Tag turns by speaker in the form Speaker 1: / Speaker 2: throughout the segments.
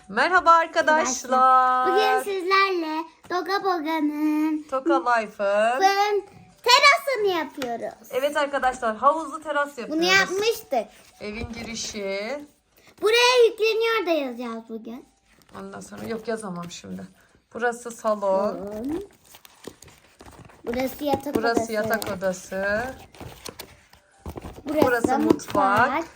Speaker 1: Merhaba arkadaşlar.
Speaker 2: Bugün sizlerle Toka Boga'nın
Speaker 1: Toka Life'ın
Speaker 2: terasını yapıyoruz.
Speaker 1: evet arkadaşlar, havuzlu teras yapıyoruz.
Speaker 2: Bunu yapmıştık.
Speaker 1: Evin girişi.
Speaker 2: Buraya yükleniyor da yazacağız bugün.
Speaker 1: Ondan sonra yok, yazamam şimdi. Burası salon.
Speaker 2: Burası yatak
Speaker 1: Burası
Speaker 2: odası.
Speaker 1: yatak odası.
Speaker 2: Burası,
Speaker 1: burası
Speaker 2: mutfak.
Speaker 1: mutfak.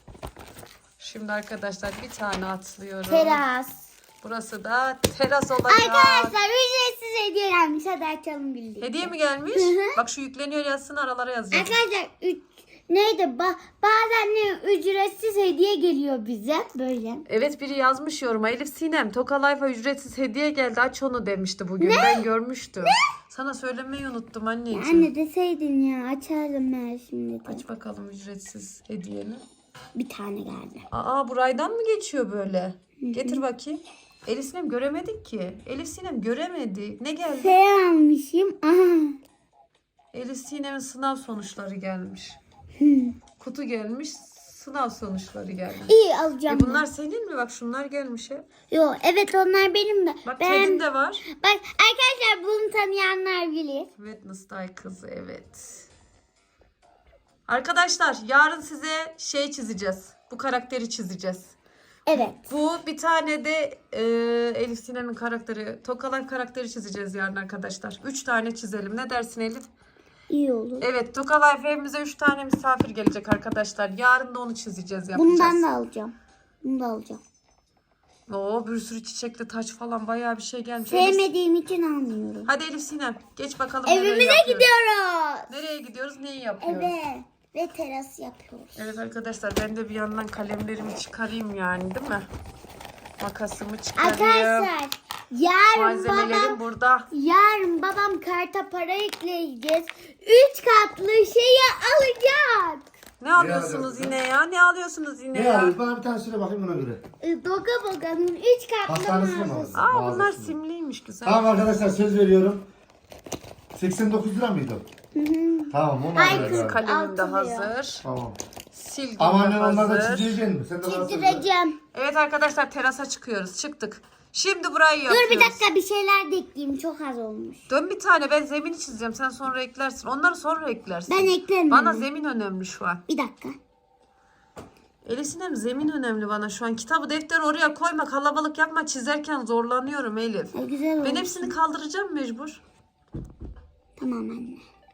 Speaker 1: Şimdi arkadaşlar bir tane atlıyorum.
Speaker 2: Teras.
Speaker 1: Burası da teras olacak.
Speaker 2: Arkadaşlar ücretsiz hediye gelmiş. Hadi açalım birlikte.
Speaker 1: Hediye mi gelmiş? Bak şu yükleniyor yazsın, aralara yazacağım.
Speaker 2: Arkadaşlar neydi? Bazen ücretsiz hediye geliyor bize böyle.
Speaker 1: Evet, biri yazmış yoruma. Elif Sinem, Toka Life'a ücretsiz hediye geldi, aç onu demişti bugün. Ben görmüştüm. Sana söylemeyi unuttum anneciğim.
Speaker 2: Anne deseydin ya, açardım ben şimdi de.
Speaker 1: Aç bakalım ücretsiz hediyeni.
Speaker 2: Bir tane geldi.
Speaker 1: Aa, buraydan mı geçiyor böyle? Getir bakayım. Elif Sinem göremedik ki. Elif Sinem göremedik. Ne geldi?
Speaker 2: Şey almışım. Aha.
Speaker 1: Elif Sinem'in sınav sonuçları gelmiş. Kutu gelmiş. Sınav sonuçları gelmiş.
Speaker 2: İyi alacağım.
Speaker 1: Bunlar senin mi? Bak şunlar gelmiş hep.
Speaker 2: Yo, evet onlar benim de.
Speaker 1: Bak kedin de var.
Speaker 2: Bak arkadaşlar, bunu tanıyanlar bilir.
Speaker 1: Wednesday kızı, evet. Arkadaşlar yarın size şey çizeceğiz. Bu karakteri çizeceğiz.
Speaker 2: Evet.
Speaker 1: Bu bir tane de Elif Sinem'in karakteri, Toka Life karakteri çizeceğiz yarın arkadaşlar. 3 tane çizelim. Ne dersin Elif?
Speaker 2: İyi olur.
Speaker 1: Evet, Toka Life evimize 3 tane misafir gelecek arkadaşlar. Yarın da onu çizeceğiz, yapacağız.
Speaker 2: Bundan da alacağım. Bunu da alacağım.
Speaker 1: Oo, bir sürü çiçekli taç falan bayağı bir şey gelmiş.
Speaker 2: Sevmediğim için almıyorum.
Speaker 1: Hadi Elif Sinem geç bakalım. nereyi
Speaker 2: Evimize
Speaker 1: yapıyoruz.
Speaker 2: gidiyoruz.
Speaker 1: Nereye gidiyoruz? Neyi yapıyoruz?
Speaker 2: Evet. Ve teras yapıyoruz.
Speaker 1: Evet arkadaşlar, ben de bir yandan kalemlerimi çıkarayım yani, değil mi? Makasımı çıkarayım.
Speaker 2: Arkadaşlar
Speaker 1: Malzemelerim burada.
Speaker 2: yarın babam karta para ekleyeceğiz. 3 katlı şeyi alacak.
Speaker 1: Ne alıyorsunuz yine ya? Ne alıyorsunuz yine
Speaker 3: Ne
Speaker 1: ya?
Speaker 3: alıyorsun? Bana bir tane söyle bakayım ona göre.
Speaker 2: Doga Boga'nın 3 katlı
Speaker 3: Hastanesi mi
Speaker 2: mağazası.
Speaker 3: aldın?
Speaker 1: Aa, bunlar
Speaker 3: Mağazası.
Speaker 1: simliymiş, güzel.
Speaker 3: Tamam arkadaşlar, söz veriyorum. 89 lira mıydı? Tamam, onu
Speaker 2: Ay,
Speaker 3: alacağız. abi.
Speaker 1: Kalemim de
Speaker 2: Altı lira.
Speaker 1: hazır.
Speaker 3: Tamam.
Speaker 1: Silgim
Speaker 3: Ama
Speaker 1: de
Speaker 3: annen onları da
Speaker 1: hazır.
Speaker 3: çizeceksin mi? Sen de bana söyle.
Speaker 2: Çizdireceğim.
Speaker 1: Evet arkadaşlar, terasa çıkıyoruz. Çıktık. Şimdi burayı yapıyoruz.
Speaker 2: Dur bir dakika, bir şeyler de ekleyeyim. Çok az olmuş.
Speaker 1: Dön bir tane, ben zemini çizeceğim. Sen sonra eklersin. Onları sonra eklersin.
Speaker 2: Ben eklerim.
Speaker 1: Bana
Speaker 2: anne.
Speaker 1: zemin önemli şu an.
Speaker 2: Bir dakika.
Speaker 1: Elif Sinem, zemin önemli bana şu an. Kitabı, defteri oraya koyma, kalabalık yapma. Çizerken zorlanıyorum Elif.
Speaker 2: Güzel olmuş.
Speaker 1: Ben hepsini kaldıracağım mecbur.
Speaker 2: Tamam anne.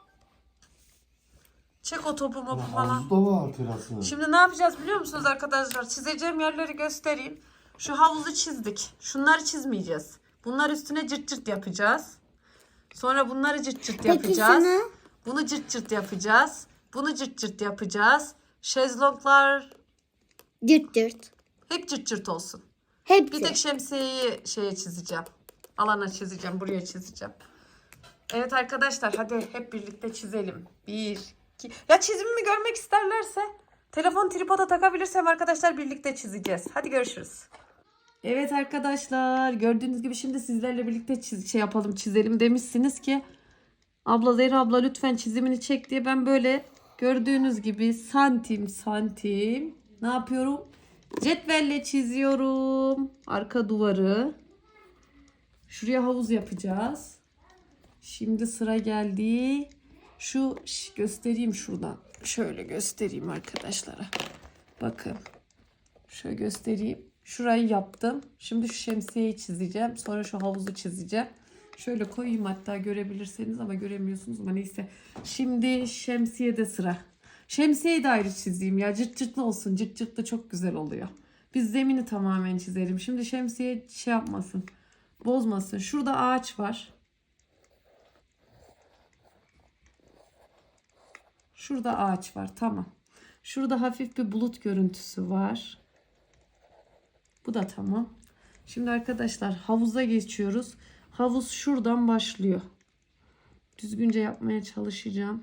Speaker 1: Çek o topu mopu falan.
Speaker 3: Havuzda var terası.
Speaker 1: Şimdi ne yapacağız biliyor musunuz arkadaşlar? Çizeceğim yerleri göstereyim. Şu havuzu çizdik. Şunları çizmeyeceğiz. Bunlar üstüne cırt cırt yapacağız. Sonra bunları cırt cırt
Speaker 2: Peki
Speaker 1: yapacağız.
Speaker 2: şunu?
Speaker 1: Bunu cırt cırt yapacağız. Bunu cırt cırt yapacağız. Şezlonglar
Speaker 2: Cırt cırt.
Speaker 1: hep cırt cırt olsun.
Speaker 2: Hepsi.
Speaker 1: Bir tek şemsiyeyi şeye çizeceğim. Alana çizeceğim. Buraya çizeceğim. Evet arkadaşlar, hadi hep birlikte çizelim. 1, 2. Ya çizimimi görmek isterlerse telefon tripoda takabilirsem arkadaşlar birlikte çizeceğiz. Hadi görüşürüz. Evet arkadaşlar, gördüğünüz gibi şimdi sizlerle birlikte çizelim demişsiniz ki abla, Zehra abla lütfen çizimini çek diye. Ben böyle gördüğünüz gibi santim santim ne yapıyorum? Cetvelle çiziyorum arka duvarı. Şuraya havuz yapacağız. Şimdi sıra geldi. Şu göstereyim şuradan. Şöyle göstereyim arkadaşlara. Bakın. Şöyle göstereyim. Şurayı yaptım. Şimdi şu şemsiyeyi çizeceğim. Sonra şu havuzu çizeceğim. Şöyle koyayım hatta, görebilirseniz, ama göremiyorsunuz, ama neyse. Şimdi şemsiyede sıra. Şemsiyeyi de ayrı çizeyim ya. Cırt cırtlı olsun. Cırt cırtlı çok güzel oluyor. Biz zemini tamamen çizelim. Şimdi şemsiye şey yapmasın. Bozmasın. Şurada ağaç var. Şurada ağaç var. Tamam. Şurada hafif bir bulut görüntüsü var. Bu da tamam. Şimdi arkadaşlar havuza geçiyoruz. Havuz şuradan başlıyor. Düzgünce yapmaya çalışacağım.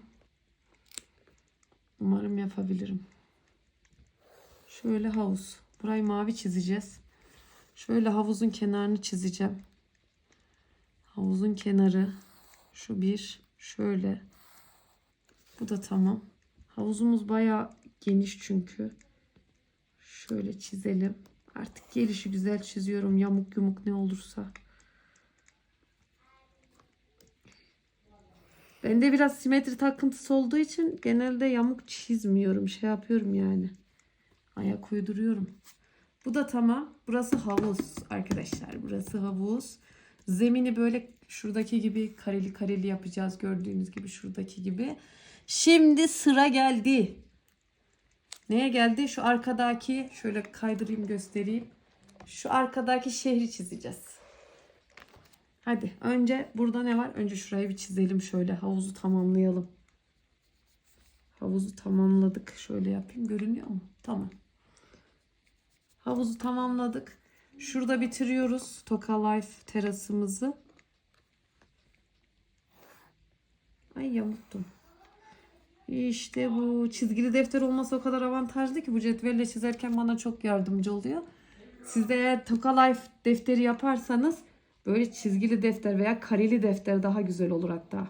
Speaker 1: Umarım yapabilirim. Şöyle havuz. Burayı mavi çizeceğiz. Şöyle havuzun kenarını çizeceğim. Havuzun kenarı. Şu bir. Şöyle. Bu da tamam. Havuzumuz bayağı geniş çünkü. Şöyle çizelim. Artık gelişi güzel çiziyorum. Yamuk yumuk ne olursa. Bende biraz simetri takıntısı olduğu için genelde yamuk çizmiyorum. Şey yapıyorum yani. Ayak uyduruyorum. Bu da tamam. Burası havuz arkadaşlar. Burası havuz. Zemini böyle şuradaki gibi kareli kareli yapacağız. Gördüğünüz gibi şuradaki gibi. Şimdi sıra geldi. Neye geldi? Şu arkadaki, şöyle kaydırayım göstereyim. Şu arkadaki şehri çizeceğiz. Hadi önce burada ne var? Önce şurayı bir çizelim şöyle. Havuzu tamamlayalım. Havuzu tamamladık. Şöyle yapayım. Görünüyor mu? Tamam. Havuzu tamamladık. Şurada bitiriyoruz Toka Life terasımızı. Ay yamuktum. İşte bu çizgili defter olması o kadar avantajlı ki bu cetvelle çizerken bana çok yardımcı oluyor. Siz de eğer Toka Life defteri yaparsanız böyle çizgili defter veya kareli defter daha güzel olur hatta.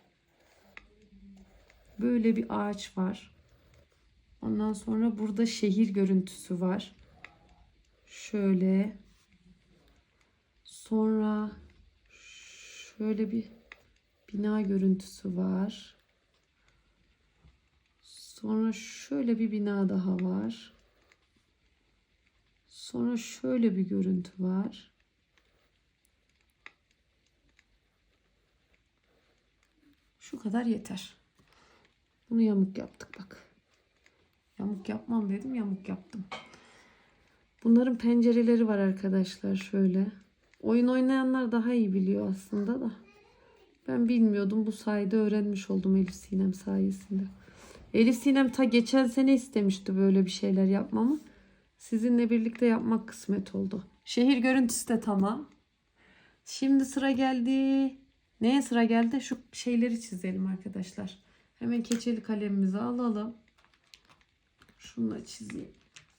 Speaker 1: Böyle bir ağaç var. Ondan sonra burada şehir görüntüsü var. Şöyle. Sonra şöyle bir bina görüntüsü var. Sonra şöyle bir bina daha var. Sonra şöyle bir görüntü var. Şu kadar yeter. Bunu yamuk yaptık bak. Yamuk yapmam dedim, yamuk yaptım. Bunların pencereleri var arkadaşlar şöyle. Oyun oynayanlar daha iyi biliyor aslında da. Ben bilmiyordum. Bu sayede öğrenmiş oldum Elif Sinem sayesinde. Elif Sinem ta geçen sene istemişti böyle bir şeyler yapmamı. Sizinle birlikte yapmak kısmet oldu. Şehir görüntüsü de tamam. Şimdi sıra geldi. Neye sıra geldi? Şu şeyleri çizelim arkadaşlar. Hemen keçeli kalemimizi alalım. Şunu çizeyim.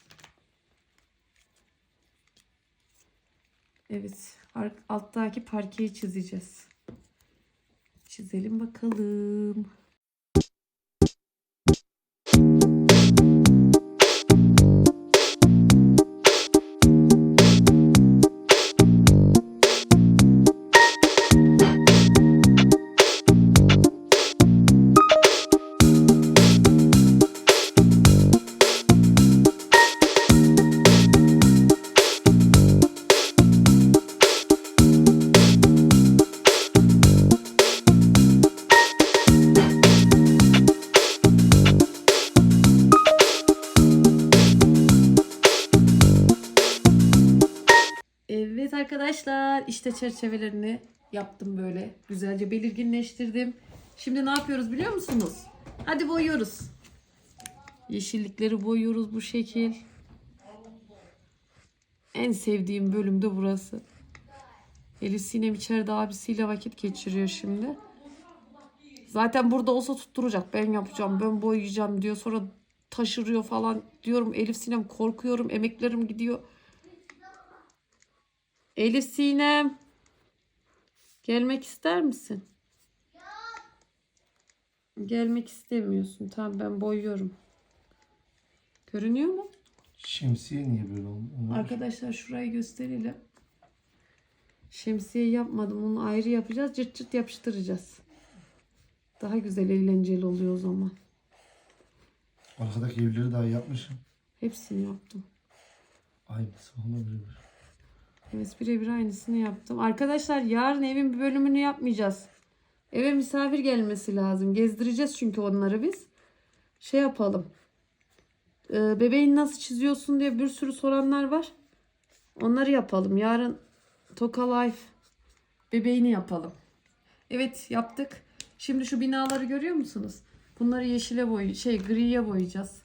Speaker 1: Evet. Alttaki parkeyi çizeceğiz. Çizelim bakalım. Evet arkadaşlar işte çerçevelerini yaptım böyle. Güzelce belirginleştirdim. Şimdi ne yapıyoruz biliyor musunuz? Hadi boyuyoruz. Yeşillikleri boyuyoruz bu şekil. En sevdiğim bölüm de burası. Elif Sinem içeride abisiyle vakit geçiriyor şimdi. Zaten burada olsa tutturacak. Ben yapacağım, ben boyayacağım diyor. Sonra taşırıyor falan. Diyorum Elif Sinem korkuyorum, emeklerim gidiyor. Elif Sinem. Gelmek ister misin? Gelmek istemiyorsun. Tamam ben boyuyorum. Görünüyor mu?
Speaker 3: Şemsiye niye böyle oldu?
Speaker 1: Arkadaşlar şurayı gösterelim. Şemsiye yapmadım. Onu ayrı yapacağız. Cırt cırt yapıştıracağız. Daha güzel eğlenceli oluyor o zaman.
Speaker 3: Arkadaki evleri daha yapmışım.
Speaker 1: Hepsini yaptım.
Speaker 3: Aynısı olabilir.
Speaker 1: Evet birebir aynısını yaptım. Arkadaşlar yarın evin bir bölümünü yapmayacağız. Eve misafir gelmesi lazım. Gezdireceğiz çünkü onları biz. Şey yapalım. Bebeğini nasıl çiziyorsun diye bir sürü soranlar var. Onları yapalım. Yarın Toka Life bebeğini yapalım. Evet yaptık. Şimdi şu binaları görüyor musunuz? Bunları yeşile griye boyayacağız.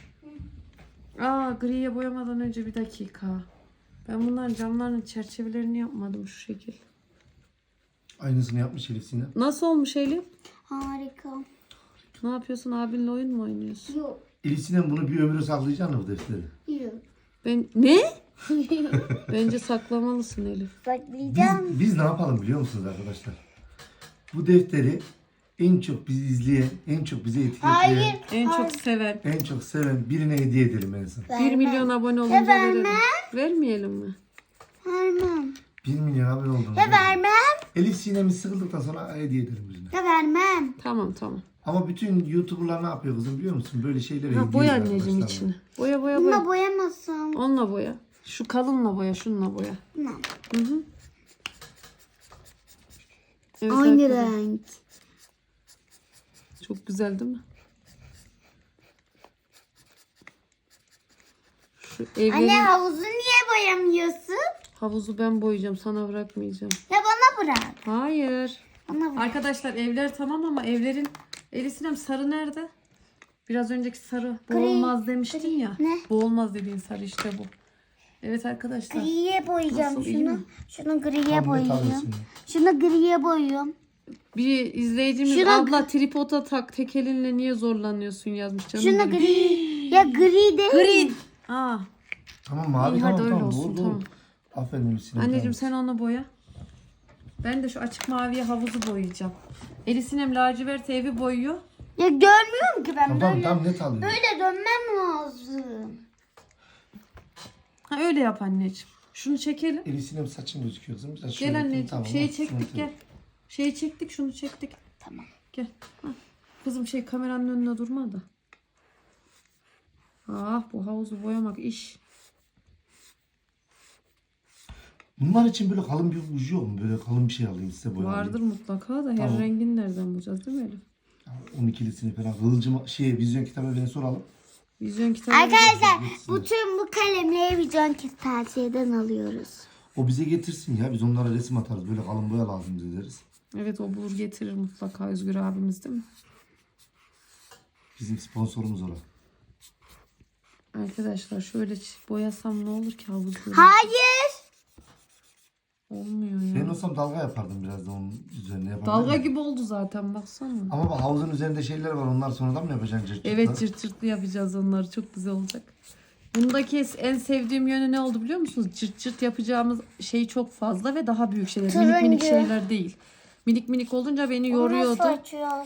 Speaker 1: Griye boyamadan önce bir dakika. Ben bunların camlarının çerçevelerini yapmadım şu şekil.
Speaker 3: Aynısını yapmış Elif Sinem.
Speaker 1: Nasıl olmuş Elif?
Speaker 2: Harika.
Speaker 1: Ne yapıyorsun? Abinle oyun mu oynuyorsun?
Speaker 2: Yok.
Speaker 3: Elif Sinem bunu bir ömrü saklayacaksın bu defteri.
Speaker 2: Yok.
Speaker 1: Ne? Bence saklamalısın Elif.
Speaker 2: Saklayacağım.
Speaker 3: Biz ne yapalım biliyor musunuz arkadaşlar? Bu defteri en çok bizi izleyen, en çok bizi etiketleyen,
Speaker 2: Hayır.
Speaker 1: En çok seven.
Speaker 3: en çok seven birine hediye edelim en son.
Speaker 1: 1 milyon abone olunca
Speaker 2: vermem.
Speaker 1: verelim. Vermeyelim mi?
Speaker 2: Vermem.
Speaker 3: 1 milyon abone oldunuz.
Speaker 2: Ya vermem.
Speaker 3: Elif Sinem'i sıkıldıktan sonra hediye edelim birine.
Speaker 2: Ya vermem.
Speaker 1: Tamam.
Speaker 3: Ama bütün YouTuber'lar ne yapıyor kızım biliyor musun? Böyle şeylere
Speaker 1: Ha,
Speaker 3: hediye
Speaker 1: boya
Speaker 3: ediyor
Speaker 1: anneciğim
Speaker 3: arkadaşlar.
Speaker 1: içini. Boya.
Speaker 2: Bununla boyamasam.
Speaker 1: Onunla boya. Şu kalınla boya, şununla boya.
Speaker 2: Ne?
Speaker 1: Hı. Evet,
Speaker 2: Aynı
Speaker 1: arkadaşlar.
Speaker 2: renk.
Speaker 1: Çok güzel değil mi? Şu evlerin
Speaker 2: Anne havuzu niye boyamıyorsun?
Speaker 1: havuzu ben boyayacağım. Sana bırakmayacağım.
Speaker 2: Ya bana bırak.
Speaker 1: Hayır.
Speaker 2: Bana bırak.
Speaker 1: Arkadaşlar evler tamam ama evlerin... Elif Sinem sarı nerede? Biraz önceki sarı. Bu
Speaker 2: Gri.
Speaker 1: olmaz demiştin ya.
Speaker 2: Ne?
Speaker 1: Bu olmaz dediğin sarı işte bu. Evet arkadaşlar.
Speaker 2: Griye boyayacağım
Speaker 1: Nasıl, iyi mi?
Speaker 2: Şunu griye
Speaker 3: Tam net
Speaker 2: boyayacağım.
Speaker 3: alıyorsun.
Speaker 2: Şunu griye boyuyorum.
Speaker 1: Bir izleyicimiz
Speaker 2: Şuna-
Speaker 1: abla tripoda tak tek elinle niye zorlanıyorsun yazmış canım
Speaker 2: Şunu
Speaker 1: benim.
Speaker 2: gri. Ya gri değil.
Speaker 1: Green. Aa.
Speaker 3: Tamam mavi
Speaker 1: İyi, hadi
Speaker 3: tamam
Speaker 1: öyle
Speaker 3: tamam.
Speaker 1: olsun,
Speaker 3: Doğru,
Speaker 1: tamam.
Speaker 3: doğru. Aferin Elif Sinem.
Speaker 1: Anneciğim
Speaker 3: tamam.
Speaker 1: sen onu boya. Ben de şu açık maviye havuzu boyayacağım. Elif Sinem lacivert evi boyuyor.
Speaker 2: Ya görmüyorum ki ben
Speaker 3: Tamam
Speaker 2: böyle.
Speaker 3: tam net alıyorsun.
Speaker 2: Böyle dönmem lazım.
Speaker 1: Ha öyle yap anneciğim. Şunu çekelim.
Speaker 3: Elif Sinem saçın gözüküyor kızım. Biraz şöyle
Speaker 1: Gel
Speaker 3: yapayım,
Speaker 1: anneciğim.
Speaker 3: tamam,
Speaker 1: Şeyi
Speaker 3: bak,
Speaker 1: çektik
Speaker 3: sıkıntı
Speaker 1: gel.
Speaker 3: yok.
Speaker 1: Şeyi çektik şunu çektik.
Speaker 2: Tamam.
Speaker 1: Gel. Ha. Kızım kameranın önüne durma da. Ah bu havuzu boyamak iş.
Speaker 3: Bunlar için böyle kalın bir ucu yok mu? Böyle kalın bir şey alayım size boya alayım.
Speaker 1: Vardır mutlaka da her
Speaker 3: Tamam.
Speaker 1: rengini nereden bulacağız değil mi Elif?
Speaker 3: 12'lisini falan. Kılıcım vizyon kitabı beni soralım.
Speaker 1: Vizyon kitabı.
Speaker 2: Arkadaşlar bütün bu kalemleri vizyon kırtasiyeden alıyoruz.
Speaker 3: O bize getirsin ya. Biz onlara resim atarız. Böyle kalın boya lazım bize deriz.
Speaker 1: Evet o bulur getirir mutlaka Özgür abimiz değil mi?
Speaker 3: Bizim sponsorumuz orada.
Speaker 1: Arkadaşlar şöyle boyasam ne olur ki havuzları?
Speaker 2: Hayır.
Speaker 1: Olmuyor ya.
Speaker 3: Ben olsam dalga yapardım biraz da onun üzerine yapardım.
Speaker 1: Dalga gibi oldu zaten baksana.
Speaker 3: Ama bak havuzun üzerinde şeyler var. Onlar sonradan mı yapacaksın cırt cırtla?
Speaker 1: Evet cırt cırtlı yapacağız onları çok güzel olacak. Bundaki en sevdiğim yönü ne oldu biliyor musunuz? Cırt cırt yapacağımız şey çok fazla ve daha büyük şeyler. Minik minik
Speaker 2: Turuncu.
Speaker 1: şeyler değil. Minik minik olunca beni
Speaker 2: Nasıl
Speaker 1: yoruyordu.
Speaker 2: açıyoruz?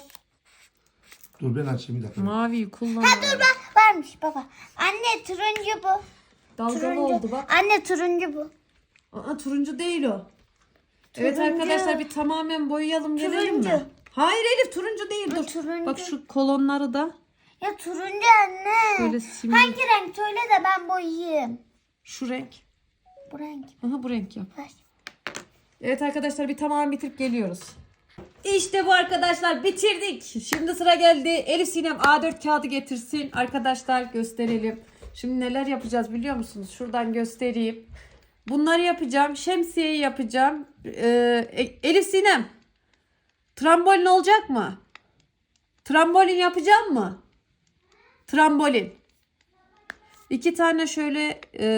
Speaker 3: Dur ben açayım bir dakika.
Speaker 1: Maviyi kullan.
Speaker 2: Varmış baba. Anne turuncu bu.
Speaker 1: Dalgalı
Speaker 2: Turuncu.
Speaker 1: oldu bak.
Speaker 2: Anne turuncu bu.
Speaker 1: Aa, turuncu değil o. Evet
Speaker 2: Turuncu.
Speaker 1: arkadaşlar bir tamamen boyayalım gelelim mi?
Speaker 2: Turuncu.
Speaker 1: Hayır Elif turuncu değil dur.
Speaker 2: turuncu.
Speaker 1: Bak şu kolonları da
Speaker 2: Ya turuncu anne.
Speaker 1: şöyle simli.
Speaker 2: Hangi renk söyle de ben boyayayım.
Speaker 1: Şu renk.
Speaker 2: Bu renk.
Speaker 1: Aha bu renk yap.
Speaker 2: Ver.
Speaker 1: Evet arkadaşlar bir tamamen bitirip geliyoruz. İşte bu arkadaşlar bitirdik. Şimdi sıra geldi. Elif Sinem A4 kağıdı getirsin. Arkadaşlar gösterelim. Şimdi neler yapacağız biliyor musunuz? Şuradan göstereyim. Bunları yapacağım. Şemsiyeyi yapacağım. Elif Sinem. Trambolin olacak mı? Trambolin yapacağım mı? Trambolin. 2 tane şöyle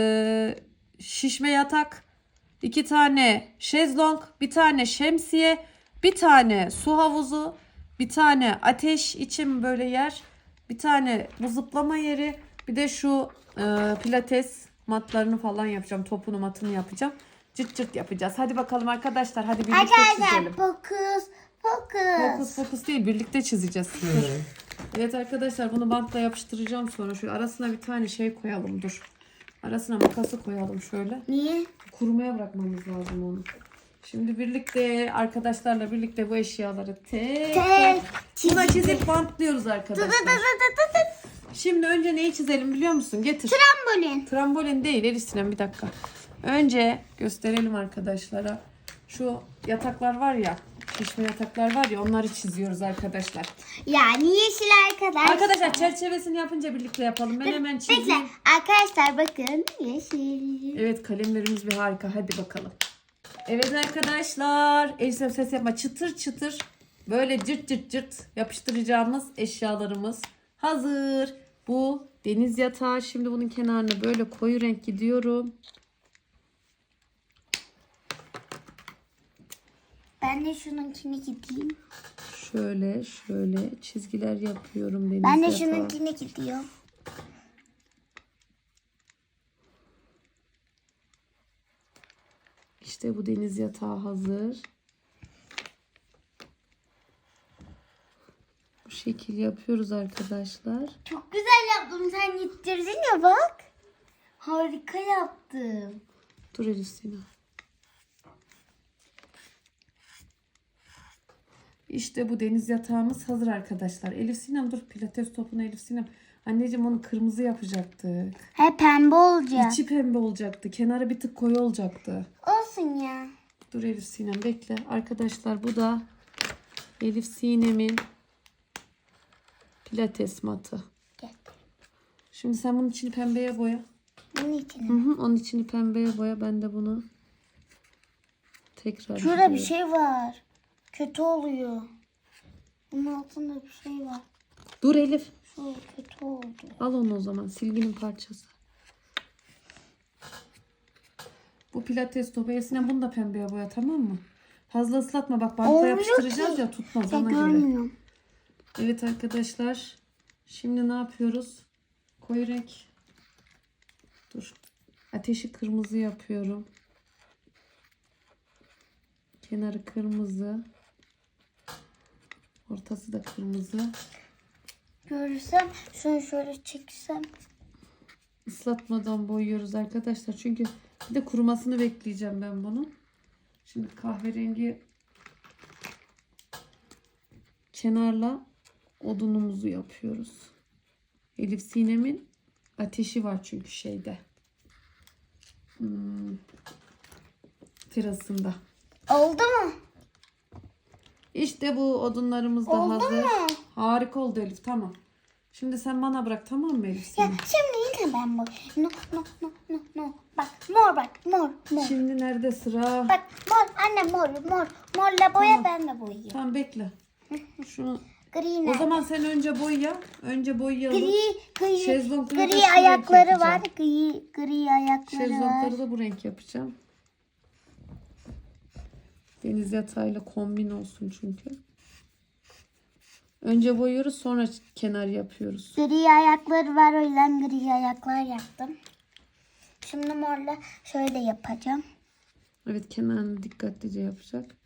Speaker 1: şişme yatak. 2 tane şezlong. 1 tane şemsiye. 1 tane su havuzu. 1 tane ateş için böyle yer. 1 tane bu zıplama yeri. Bir de şu pilates matlarını falan yapacağım. Topunu matını yapacağım. Cırt cırt yapacağız. Hadi bakalım arkadaşlar. Hadi birlikte
Speaker 2: Arkadaşlar
Speaker 1: çizelim.
Speaker 2: fokus.
Speaker 1: Fokus fokus değil. Birlikte çizeceğiz. Dur. Evet arkadaşlar bunu bantla yapıştıracağım sonra. Şu arasına bir tane şey koyalım. Dur. Arasına makası koyalım şöyle.
Speaker 2: Niye?
Speaker 1: Kurumaya bırakmamız lazım onu. Şimdi birlikte arkadaşlarla birlikte bu eşyaları tek buna çizip bantlıyoruz arkadaşlar. Şimdi önce neyi çizelim biliyor musun? Getir.
Speaker 2: Trambolin.
Speaker 1: Trambolin değil Elif Sinem bir dakika. Önce gösterelim arkadaşlara. Şu yataklar var ya. Şişme yataklar var ya onları çiziyoruz arkadaşlar.
Speaker 2: Yani yeşil arkadaşlar.
Speaker 1: Arkadaşlar çerçevesini yapınca birlikte yapalım. Ben hemen
Speaker 2: Bekle.
Speaker 1: çizeyim.
Speaker 2: Arkadaşlar bakın yeşil.
Speaker 1: Evet kalemlerimiz bir harika. Hadi bakalım. Evet arkadaşlar. Elif ses yapma. Çıtır çıtır. Böyle cırt cırt cırt yapıştıracağımız eşyalarımız hazır. Bu deniz yatağı. Şimdi bunun kenarına böyle koyu renk gidiyorum.
Speaker 2: Ben de şununkini gideyim.
Speaker 1: Şöyle şöyle çizgiler yapıyorum deniz
Speaker 2: Ben de
Speaker 1: yatağı.
Speaker 2: şununkini gidiyorum.
Speaker 1: İşte bu deniz yatağı hazır. şekil yapıyoruz arkadaşlar.
Speaker 2: Çok güzel yaptım. Sen gittirdin ya bak. Harika yaptım.
Speaker 1: Dur Elif Sinem. İşte bu deniz yatağımız hazır arkadaşlar. Elif Sinem dur, pilates topunu Elif Sinem. Anneciğim onu kırmızı yapacaktık.
Speaker 2: He pembe olacak.
Speaker 1: İçi pembe olacaktı. Kenarı bir tık koyu olacaktı.
Speaker 2: Olsun ya.
Speaker 1: Dur Elif Sinem bekle. Arkadaşlar bu da Elif Sinem'in pilates matı.
Speaker 2: Gel.
Speaker 1: Şimdi sen bunun içini pembeye boya.
Speaker 2: Bunun içine.
Speaker 1: Hı hı, onun içini pembeye boya. Ben de bunu tekrar
Speaker 2: Şurada bir
Speaker 1: boyuyorum.
Speaker 2: şey var. Kötü oluyor. Bunun altında bir şey var.
Speaker 1: Dur Elif.
Speaker 2: Şu kötü oldu.
Speaker 1: Al onu o zaman. Silginin parçası. Bu pilates topu. Eline bunu da pembeye boya, tamam mı? Fazla ıslatma. Bak bantla
Speaker 2: Olmuyor
Speaker 1: yapıştıracağız
Speaker 2: ki.
Speaker 1: ya, tutmaz
Speaker 2: Ben
Speaker 1: ona göre.
Speaker 2: görmüyorum.
Speaker 1: Evet arkadaşlar. Şimdi ne yapıyoruz? Koyu renk. Dur. Ateşi kırmızı yapıyorum. Kenarı kırmızı. Ortası da kırmızı.
Speaker 2: Görürsem şunu şöyle çeksem.
Speaker 1: Islatmadan boyuyoruz arkadaşlar. Çünkü bir de kurumasını bekleyeceğim ben bunun. Şimdi kahverengi kenarla odunumuzu yapıyoruz. Elif Sinem'in ateşi var çünkü şeyde. Terasında.
Speaker 2: Oldu mu?
Speaker 1: İşte bu odunlarımız da
Speaker 2: Oldu
Speaker 1: hazır.
Speaker 2: mu?
Speaker 1: Harika oldu Elif, tamam. Şimdi sen bana bırak, tamam mı Elif
Speaker 2: Ya
Speaker 1: Sinem?
Speaker 2: şimdi yine ben bu. No no no no no. Bak mor bak mor mor.
Speaker 1: Şimdi nerede sıra?
Speaker 2: Bak mor anne mor mor. Morla boya
Speaker 1: Tamam.
Speaker 2: ben de boyayayım.
Speaker 1: Tamam bekle. Şunu.
Speaker 2: Gri
Speaker 1: O
Speaker 2: nerede?
Speaker 1: zaman sen önce boya. Önce boyayalım.
Speaker 2: Gri
Speaker 1: Şezlongları da
Speaker 2: gri
Speaker 1: şu renk
Speaker 2: ayakları
Speaker 1: yapacağım.
Speaker 2: var. Gri ayakları var.
Speaker 1: Şezlongları da bu renk yapacağım. Deniz yatağıyla kombin olsun çünkü. Önce boyuyoruz, sonra kenar yapıyoruz.
Speaker 2: Gri ayakları var, o yüzden gri ayaklar yaptım. Şimdi morla şöyle yapacağım.
Speaker 1: Evet, kenarını dikkatlice yapacak.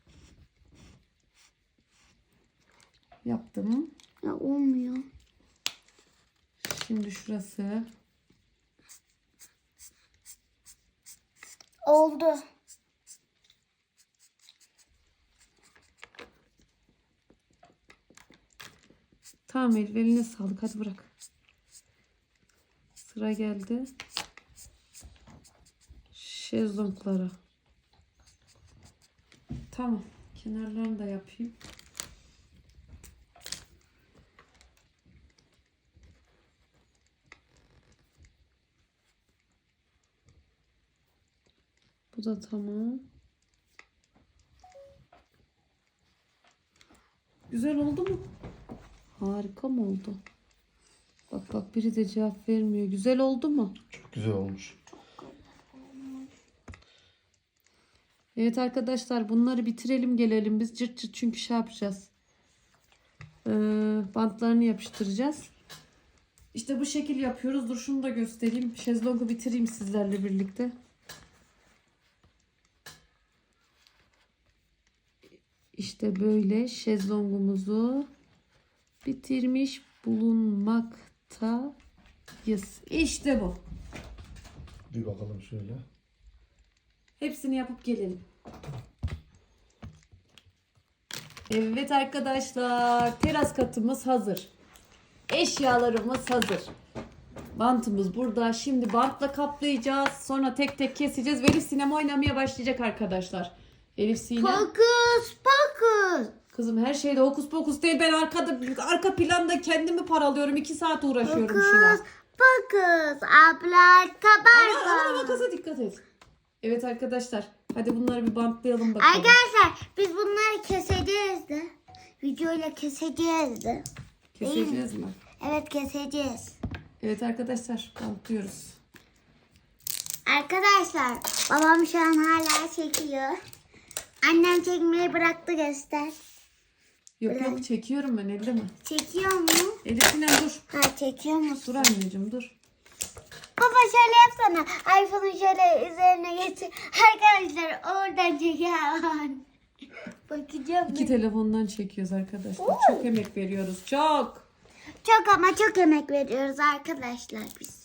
Speaker 1: Yaptım.
Speaker 2: Ya olmuyor.
Speaker 1: Şimdi şurası.
Speaker 2: Oldu.
Speaker 1: Tamam Elif, eline sağlık, hadi bırak. Sıra geldi şezlonglara. Tamam, kenarlarını da yapayım. Bu da tamam. Güzel oldu mu? Harika mı oldu? Bak bak, biri de cevap vermiyor. Güzel oldu mu?
Speaker 3: Çok güzel olmuş.
Speaker 1: Evet arkadaşlar, bunları bitirelim gelelim biz. Cırt cırt çünkü şey yapacağız. Bantlarını yapıştıracağız. İşte bu şekil yapıyoruz. Dur şunu da göstereyim. Şezlongu bitireyim sizlerle birlikte. İşte böyle şezlongumuzu bitirmiş bulunmaktayız. İşte bu.
Speaker 3: Bir bakalım şöyle.
Speaker 1: Hepsini yapıp gelelim. Evet arkadaşlar, teras katımız hazır. Eşyalarımız hazır. Bantımız burada. Şimdi bantla kaplayacağız. Sonra tek tek keseceğiz. Ve Elif Sinem oynamaya başlayacak arkadaşlar. Elif Sinem.
Speaker 2: Fokus fokus.
Speaker 1: Kızım her şeyde hokus pokus değil. Ben arka planda kendimi paralıyorum. 2 saat uğraşıyorum şuna.
Speaker 2: Fokus. Abla
Speaker 1: Ama
Speaker 2: kabarma.
Speaker 1: makasa dikkat et. Evet arkadaşlar. Hadi bunları bir bantlayalım bakalım.
Speaker 2: Arkadaşlar biz bunları keseceğiz de. Videoyla keseceğiz de.
Speaker 1: Keseceğiz mi?
Speaker 2: Evet keseceğiz.
Speaker 1: Evet arkadaşlar, bantlıyoruz.
Speaker 2: Arkadaşlar babam şu an hala çekiyor. Annem çekmeyi bıraktı, göster.
Speaker 1: Yok yok, çekiyorum ben, elde mi?
Speaker 2: Çekiyor mu?
Speaker 1: Elif Sinem dur.
Speaker 2: Ha çekiyor
Speaker 1: Dur
Speaker 2: musun?
Speaker 1: anneciğim dur.
Speaker 2: Baba şöyle yapsana. iPhone'u şöyle üzerine getir. Arkadaşlar oradan çekiyor. Bakacağım.
Speaker 1: İki telefondan çekiyoruz arkadaşlar. Çok emek veriyoruz. Çok.
Speaker 2: Çok ama çok emek veriyoruz arkadaşlar biz.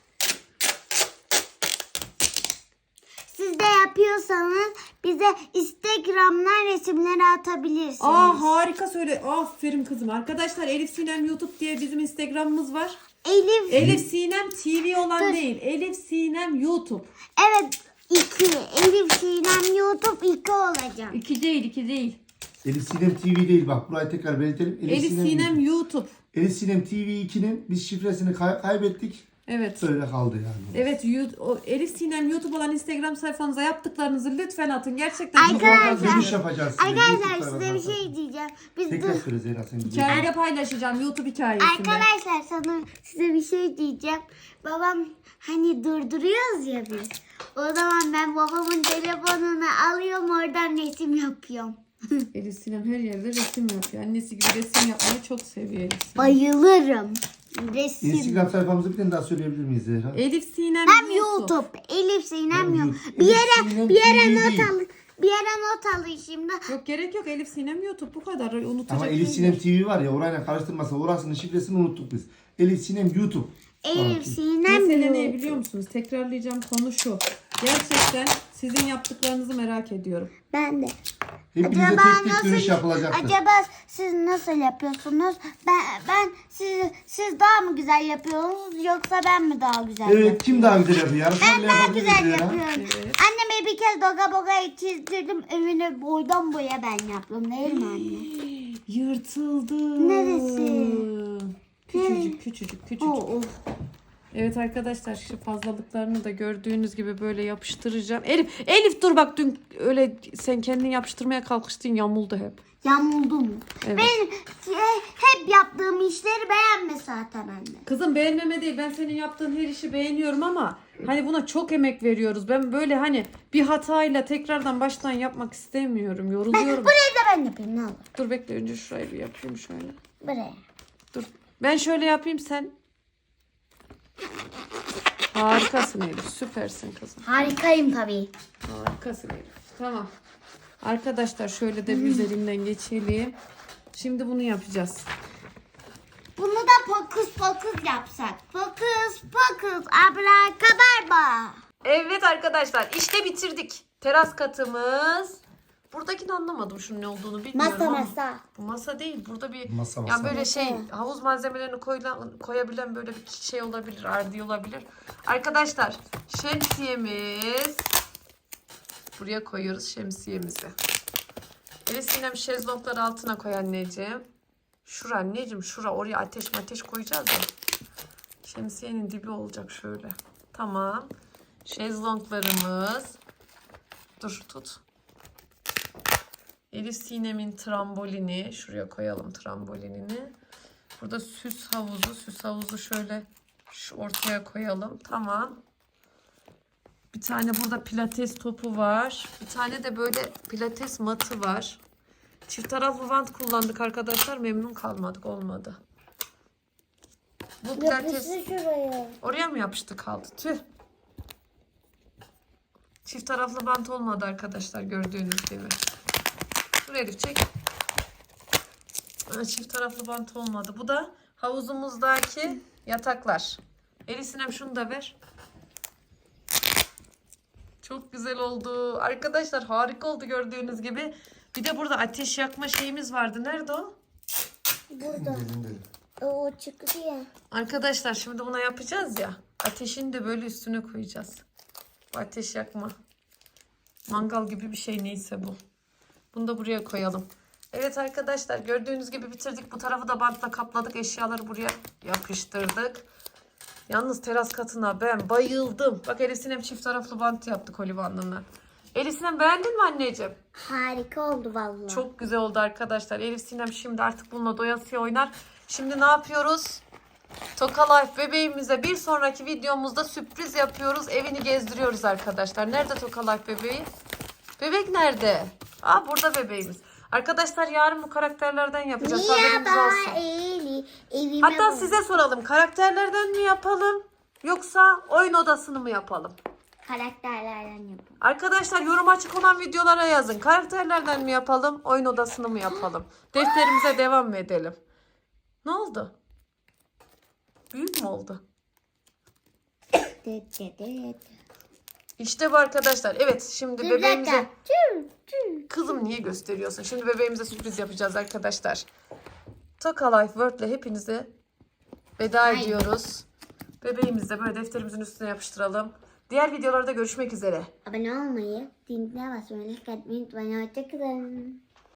Speaker 2: Siz de yapıyorsanız bize Instagram'dan resimleri atabilirsiniz.
Speaker 1: Harika söyle. Aferin kızım. Arkadaşlar Elif Sinem YouTube diye bizim Instagram'ımız var.
Speaker 2: Elif.
Speaker 1: Sinem TV olan değil. Elif Sinem YouTube.
Speaker 2: Evet 2. Elif Sinem YouTube 2 olacak.
Speaker 1: 2 değil, 2 değil.
Speaker 3: Elif Sinem TV değil bak. Burayı tekrar belirtelim.
Speaker 1: Elif Sinem YouTube.
Speaker 3: Elif Sinem TV 2'nin biz şifresini kaybettik.
Speaker 1: Evet.
Speaker 3: Öyle kaldı yani.
Speaker 1: Evet, Elif Sinem YouTube olan Instagram sayfanıza yaptıklarınızı lütfen atın. Gerçekten çok
Speaker 2: Arkadaşlar,
Speaker 3: Dönüş yapacağız size.
Speaker 2: Arkadaşlar
Speaker 3: YouTube'da
Speaker 2: size bir
Speaker 3: bakarsanız.
Speaker 2: şey diyeceğim. Biz
Speaker 3: Tekrar söyle Zehra sen.
Speaker 1: hikayede paylaşacağım YouTube hikayesinde.
Speaker 2: Arkadaşlar size bir şey diyeceğim. Babam hani durduruyoruz ya biz. O zaman ben babamın telefonunu alıyorum oradan resim yapıyorum.
Speaker 1: Elif Sinem her yerde resim yapıyor. Annesi gibi resim yapmayı çok seviyor Elif Sinem.
Speaker 2: Bayılırım. Resim.
Speaker 3: Instagram sayfamızı bir tane daha söyleyebilir miyiz Zehra?
Speaker 1: Elif Sinem
Speaker 2: Hem YouTube. Elif Sinem yok.
Speaker 3: YouTube.
Speaker 2: Bir
Speaker 3: Elif
Speaker 2: yere
Speaker 3: Sinem
Speaker 2: not
Speaker 3: TV.
Speaker 2: alın. Bir yere not alın şimdi.
Speaker 1: Yok gerek yok, Elif Sinem YouTube bu kadar unutacak.
Speaker 3: Ama Elif
Speaker 1: şey
Speaker 3: Sinem
Speaker 1: yok.
Speaker 3: TV var ya orayla karıştırmasa orasının şifresini unuttuk biz. Elif Sinem YouTube.
Speaker 2: Elif Sinem
Speaker 1: Mesele ne
Speaker 2: yok.
Speaker 1: biliyor musunuz? Tekrarlayacağım konu şu. Gerçekten sizin yaptıklarınızı merak ediyorum.
Speaker 2: Ben de.
Speaker 3: Hepinize tek tek dönüş yapılacaktır.
Speaker 2: Acaba siz nasıl yapıyorsunuz? Siz daha mı güzel yapıyorsunuz yoksa ben mi daha güzel yapıyorum?
Speaker 3: Evet kim daha güzel yapıyor?
Speaker 2: Ben
Speaker 3: Yarışmayla
Speaker 2: daha
Speaker 3: yapabiliriz
Speaker 2: güzel
Speaker 3: Zehra.
Speaker 2: yapıyorum.
Speaker 1: Evet.
Speaker 2: Anneme bir kez doga bogayı çizdirdim. Evini boydan boya ben yaptım değil mi anne?
Speaker 1: Yırtıldı.
Speaker 2: Neresi?
Speaker 1: Küçücük.
Speaker 2: Of.
Speaker 1: Evet arkadaşlar şu fazlalıklarını da gördüğünüz gibi böyle yapıştıracağım. Elif dur bak dün öyle sen kendin yapıştırmaya kalkıştın yamuldu hep.
Speaker 2: Yamuldu mu?
Speaker 1: Evet.
Speaker 2: Ben hep yaptığım işleri beğenme zaten anne.
Speaker 1: Kızım beğenmeme değil, ben senin yaptığın her işi beğeniyorum ama hani buna çok emek veriyoruz. Ben böyle hani bir hatayla tekrardan baştan yapmak istemiyorum. Yoruluyorum.
Speaker 2: Burayı da ben yapayım ne olur.
Speaker 1: Dur bekle önce şurayı bir yapayım şöyle.
Speaker 2: Buraya.
Speaker 1: Dur. Ben şöyle yapayım sen. Harikasın Elif. Süpersin kızım.
Speaker 2: Harikayım tabii.
Speaker 1: Harikasın Elif. Tamam. Arkadaşlar şöyle de bir üzerinden geçelim. Şimdi bunu yapacağız.
Speaker 2: Bunu da fokus fokus yapsak. Fokus fokus abrakabarba.
Speaker 1: Evet arkadaşlar işte bitirdik. Teras katımız. Buradakini anlamadım şunun ne olduğunu bilmiyorum
Speaker 2: Masa
Speaker 1: ama.
Speaker 2: masa.
Speaker 1: Bu masa değil. Burada bir
Speaker 3: Masa,
Speaker 1: yani
Speaker 3: masa.
Speaker 1: böyle şey havuz malzemelerini koyabilen böyle bir şey olabilir. Ardi olabilir. Arkadaşlar şemsiyemiz. Buraya koyuyoruz şemsiyemizi. Elif Sinem şezlongları altına koy anneciğim. Şura anneciğim şura oraya ateş koyacağız ya. Şemsiyenin dibi olacak şöyle. Tamam. Şezlonglarımız. Dur tut. Elif Sinem'in trambolini. Şuraya koyalım trambolinini. Burada süs havuzu şöyle şu ortaya koyalım. Tamam. Bir tane burada pilates topu var. Bir tane de böyle pilates matı var. Çift taraflı bant kullandık arkadaşlar. Memnun kalmadık. Olmadı. Bu pilates
Speaker 2: şuraya.
Speaker 1: oraya mı yapıştı kaldı? Tüh. Çift taraflı bant olmadı arkadaşlar gördüğünüz gibi. Dur Elif çek. Çift taraflı bant olmadı. Bu da havuzumuzdaki yataklar. Elif Sinem şunu da ver. Çok güzel oldu. Arkadaşlar harika oldu gördüğünüz gibi. Bir de burada ateş yakma şeyimiz vardı. Nerede o?
Speaker 2: Burada. O çıktı ya.
Speaker 1: Arkadaşlar şimdi buna yapacağız ya. Ateşini de böyle üstüne koyacağız. Bu ateş yakma. Mangal gibi bir şey neyse bu. Bunu da buraya koyalım. Evet arkadaşlar gördüğünüz gibi bitirdik. Bu tarafı da bantla kapladık. Eşyaları buraya yapıştırdık. Yalnız teras katına ben bayıldım. Bak Elif Sinem çift taraflı bant yaptık Olivan'la. Elif Sinem beğendin mi anneciğim?
Speaker 2: Harika oldu vallahi.
Speaker 1: Çok güzel oldu arkadaşlar. Elif Sinem şimdi artık bununla doyasıya oynar. Şimdi ne yapıyoruz? Toka Life bebeğimize bir sonraki videomuzda sürpriz yapıyoruz. Evini gezdiriyoruz arkadaşlar. Nerede Toka Life bebeği? Bebek nerede? Aa burada bebeğimiz. Arkadaşlar yarın bu karakterlerden yapacağız. Haberiniz olsun.
Speaker 2: Evime
Speaker 1: Hatta
Speaker 2: bak.
Speaker 1: size soralım. Karakterlerden mi yapalım? Yoksa oyun odasını mı yapalım?
Speaker 2: Karakterlerden yapalım.
Speaker 1: Arkadaşlar yorum açık olan videolara yazın. Karakterlerden mi yapalım, oyun odasını mı yapalım? Defterimize devam mı edelim? Ne oldu? Büyük mü oldu? İşte bu arkadaşlar. Evet, şimdi bebeğimize... Kızım niye gösteriyorsun? Şimdi bebeğimize sürpriz yapacağız arkadaşlar. Toka Life World'le hepinize veda ediyoruz. Bebeğimizi de böyle defterimizin üstüne yapıştıralım. Diğer videolarda görüşmek üzere.
Speaker 2: Abone olmayı, zincirine basmayı, like atmayı unutmayın. Hoşçakalın.